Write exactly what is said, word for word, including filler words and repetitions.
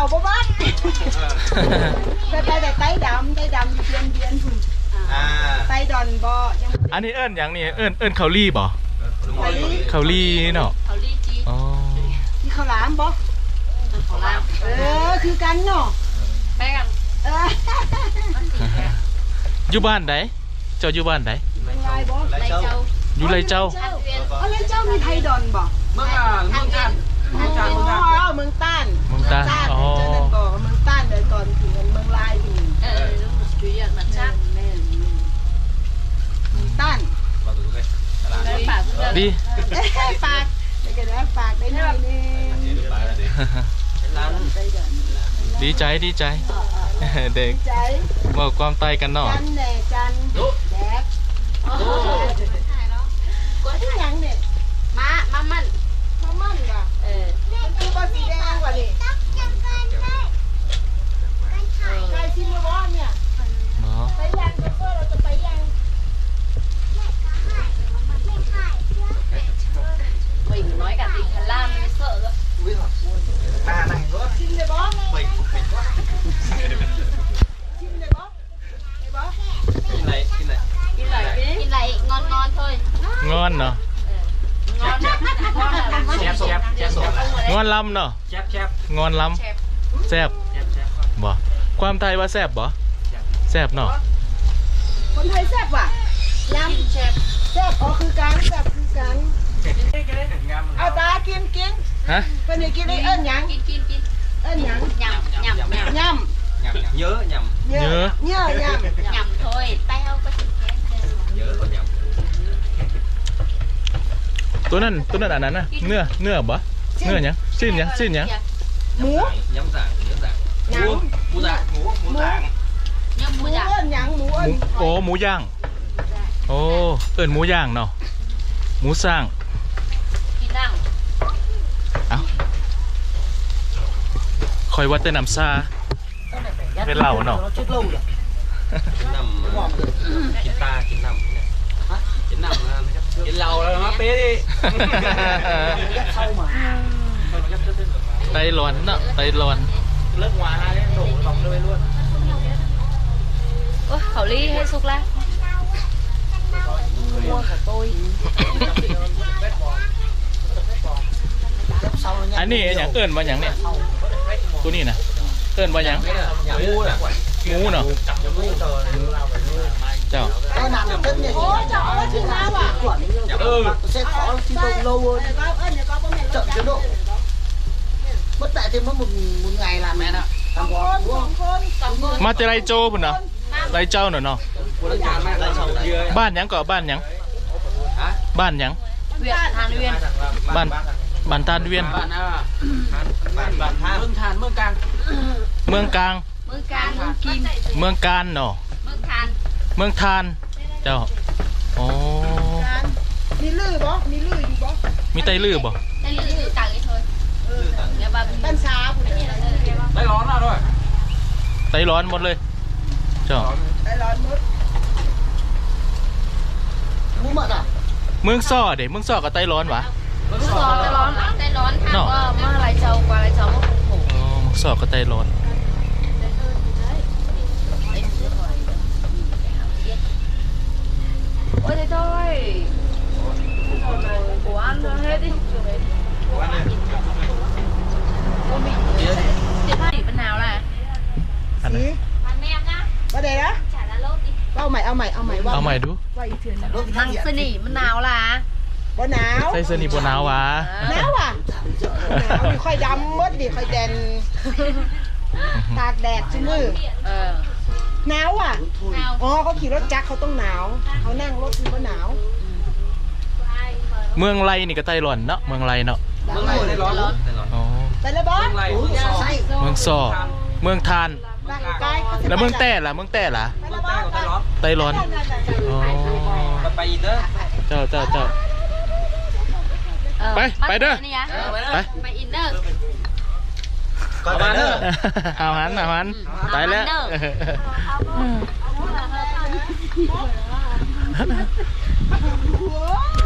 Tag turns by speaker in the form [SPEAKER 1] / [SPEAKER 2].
[SPEAKER 1] บ่บ้านแต่แต่ไต้ดำไต้ดำอยู่เดือนเดือนหุ่นไต้ดอนบ่
[SPEAKER 2] อันนี้เอิ้นอย่างนี้เอิ้นเอิ้นเขาลี่บ่เขาลี่เนาะ
[SPEAKER 3] เขาลี่จี
[SPEAKER 2] อ๋อ
[SPEAKER 1] ที่เขาล้ามบ่
[SPEAKER 3] เขาล้าม
[SPEAKER 1] เออคือกันเนาะ
[SPEAKER 3] ไปกัน
[SPEAKER 1] เออ
[SPEAKER 2] อยู่บ้านไหนเจ้าอยู่บ้านไหน
[SPEAKER 3] ไรเจ้า
[SPEAKER 2] อยู่ไรเจ้า
[SPEAKER 1] อ๋อไรเจ้ามีไทยดอนบ่
[SPEAKER 4] เมืองอ่างเมืองจันเมืองจันเมืองจัน
[SPEAKER 1] เมืองต้าน
[SPEAKER 2] เมืองต้านอ๋อ
[SPEAKER 1] เจ้านั่นบ่เมืองต้านเดินก่อนถึงเมืองลายถึง
[SPEAKER 3] เออลูกจุยมันชัก
[SPEAKER 1] แม่เมืองต้าน
[SPEAKER 2] ดี
[SPEAKER 1] ปากได้กันแล้วปากได้หน่อยนึง
[SPEAKER 2] ดีใจดีใจเด็กบอกความตายกันหน่อย
[SPEAKER 1] จันแหน่จันแดกก็ที่ยังเนี่ย
[SPEAKER 3] มามามัน
[SPEAKER 1] มามั่นว่ะ
[SPEAKER 3] เออ
[SPEAKER 1] มันคือว่าสีแดงกว่านี่ใครชิมมาบ้านเนี่ยไปยังก็เพื่อเราจะไปยัง
[SPEAKER 3] mình nói cả tình Hà Lan mới sợ cơ.
[SPEAKER 4] Ta này nữa.
[SPEAKER 1] Xin để bó.
[SPEAKER 4] Mình mình quá.
[SPEAKER 1] Xin để bó. Để bó.
[SPEAKER 4] Xin lại, xin lại.
[SPEAKER 3] Xin lại, xin lại ngon ngon thôi.
[SPEAKER 2] Ngon nè.
[SPEAKER 3] Ngon.
[SPEAKER 4] Chép chép chép sổ.
[SPEAKER 2] Ngon lắm nè.
[SPEAKER 4] Chép chép.
[SPEAKER 2] Ngon lắm. Xẹp. Bỏ. ความไทยว่าแซ่บบ่แซ่บเนาะ
[SPEAKER 1] คนไทยแซ่บว่ะยำแซ่บแซ่บอ๋อคือการแซ่บคือการเอาตากินกิน
[SPEAKER 2] ฮะ
[SPEAKER 1] เป็นยังกินได้เอิ้นหยัง
[SPEAKER 3] กินกินกิน
[SPEAKER 1] เอิ้นหยัง
[SPEAKER 3] nhầm nhầm nhầm
[SPEAKER 1] nhầm
[SPEAKER 4] nhớ nhầm
[SPEAKER 2] nhớ
[SPEAKER 1] nhớ nhầm
[SPEAKER 3] nhầm thôi tay không có chữ kén
[SPEAKER 4] nhớ còn nhầm
[SPEAKER 2] ตัวนั้นตัวนั้นอันนั้นน่ะเนื้อเนื้อบ่เนื้อหยังชิ้นหยังชิ้นหยัง
[SPEAKER 1] หมู
[SPEAKER 4] nhắm dạng nhớ dạngหมูหมูdạngหมูหมูdạng
[SPEAKER 3] nhầm
[SPEAKER 1] หมู
[SPEAKER 3] mua
[SPEAKER 1] เอิ้
[SPEAKER 3] dạ
[SPEAKER 1] นหยังหมูเอิ้น
[SPEAKER 2] โอ้หมูย่างโอ้เอิ้นหมูย่างเนาะหมูสร้าง
[SPEAKER 3] กินดัง
[SPEAKER 2] เอ้าคอยวัดแต่น้ำซาเป็นเหล้าเนาะ
[SPEAKER 4] กินน้ำกินตากินน้ำเนี่ยกินน้ำกินเหล้าแล้วมาเป๊ะดิ
[SPEAKER 2] ไตร้อนเนาะไตร้อน
[SPEAKER 4] เลิกหวานอะไรโดดลองเลยล้วน
[SPEAKER 3] ôi khẩu ly hay sô cô la mua của tôi
[SPEAKER 2] อันนี้อย่างเอิ้นว่าอย่างเนี่ยตัวนี้นะเอิ้นว่าอย่าง
[SPEAKER 4] หมูน่ะ
[SPEAKER 2] หมูเนาะเจ้า
[SPEAKER 1] cái nào là tên này ôi trời ơi chị nào à
[SPEAKER 4] ừ
[SPEAKER 1] sẽ khó chứ không lâu hơn chậm chế độ bất tại thêm mất một một ngày làm mẹ nè làm con đúng không
[SPEAKER 2] มาจะไรโจ้พุ่นเนาะไรเจ้าเนาะเนาะบ้านหยังก่อบ้านหยังบ้านหยัง
[SPEAKER 3] huyện Hàn Uyên
[SPEAKER 2] บ้านบ้านทานเวียน
[SPEAKER 4] บ้านอ่ะบ้านบ้านทานเมืองทานเมืองกลาง
[SPEAKER 2] เมืองกลาง
[SPEAKER 3] Mương Can Mương Kim
[SPEAKER 2] เมืองการเนาะ
[SPEAKER 3] Mương Than
[SPEAKER 2] เมืองทานเจ้าโอ้
[SPEAKER 1] มีลือบ่มีลืออยู่บ่
[SPEAKER 2] มีไตลือบ่
[SPEAKER 3] Đây là lư tặng ấy thôi Nhà bà
[SPEAKER 1] บ้านช้าพุ่นเนี่ย
[SPEAKER 4] ได้ร้อนแล้วด้วย
[SPEAKER 2] ไตร้อนหมดเลยเจ้า
[SPEAKER 1] ได้ร้อนมดหมูหมดอ่ะ
[SPEAKER 2] เมืองซ่อเด็เมืองซ่อกับไตร้อนวะ
[SPEAKER 3] Mương Gió tay lón tay lón thang qua mà lại trầu qua lại trầu mà khủng khủng
[SPEAKER 2] อ๋อเมืองซ่อกับไตร้อน
[SPEAKER 3] Ôi thế thôi Của ăn hết đi Cô bị Tiền phát bên nào là
[SPEAKER 2] อันนั้น
[SPEAKER 3] Bạn em nhá
[SPEAKER 1] บ่ได้นะ
[SPEAKER 3] Chả là lốt đi
[SPEAKER 1] เอาใหม่เอาใหม่เอาใหม่ว่า
[SPEAKER 2] เอาใหม่ดู
[SPEAKER 1] ว่าอีกเทื่อนึง
[SPEAKER 3] Thằng sơ nỉ bên nào là
[SPEAKER 1] บ่หนาว
[SPEAKER 2] ใส่เสื้อนี่บนหนาววะ
[SPEAKER 1] หนาวอ่ะหนาวดิค่อยดำมดดิค่อยแดนตากแดดซุมื้อ
[SPEAKER 3] Ờ
[SPEAKER 1] หนาวอ่ะ
[SPEAKER 3] Nào
[SPEAKER 1] อ๋อเขาขี่รถจักรเขาต้องหนาวเขานั่งรถมันก็หนาว
[SPEAKER 2] เมืองไรนี่ก็ไตร้อนเนาะเมืองไรเนาะ
[SPEAKER 4] เมืองไหนได้ร้อนได้ร้อน
[SPEAKER 2] อ๋อ
[SPEAKER 1] ไปเลยบอส
[SPEAKER 4] เมืองไรเมืองสอง
[SPEAKER 2] เมืองซ่อเมืองทาน
[SPEAKER 1] ไปไป
[SPEAKER 2] แล้วเมืองแต้ล่ะเมืองแต้ล่ะ
[SPEAKER 1] ไป
[SPEAKER 4] เมื
[SPEAKER 1] เล
[SPEAKER 4] อง
[SPEAKER 1] ยบ
[SPEAKER 4] ใต้
[SPEAKER 1] อส
[SPEAKER 4] ก็ได้ร้อน
[SPEAKER 2] ไตร้อนอ๋อ
[SPEAKER 4] ไปอีกเด้อ
[SPEAKER 2] เจ้าเจ้าเจ้า
[SPEAKER 3] Ờ,
[SPEAKER 2] ไป,
[SPEAKER 3] bắt
[SPEAKER 2] ไปเด้อ
[SPEAKER 3] đi nhá.
[SPEAKER 2] ไป
[SPEAKER 3] ไปอินเนอร์
[SPEAKER 4] ก่อนมาเด้อ
[SPEAKER 2] เอาหันเอาหันตายแล้ว
[SPEAKER 1] โอ้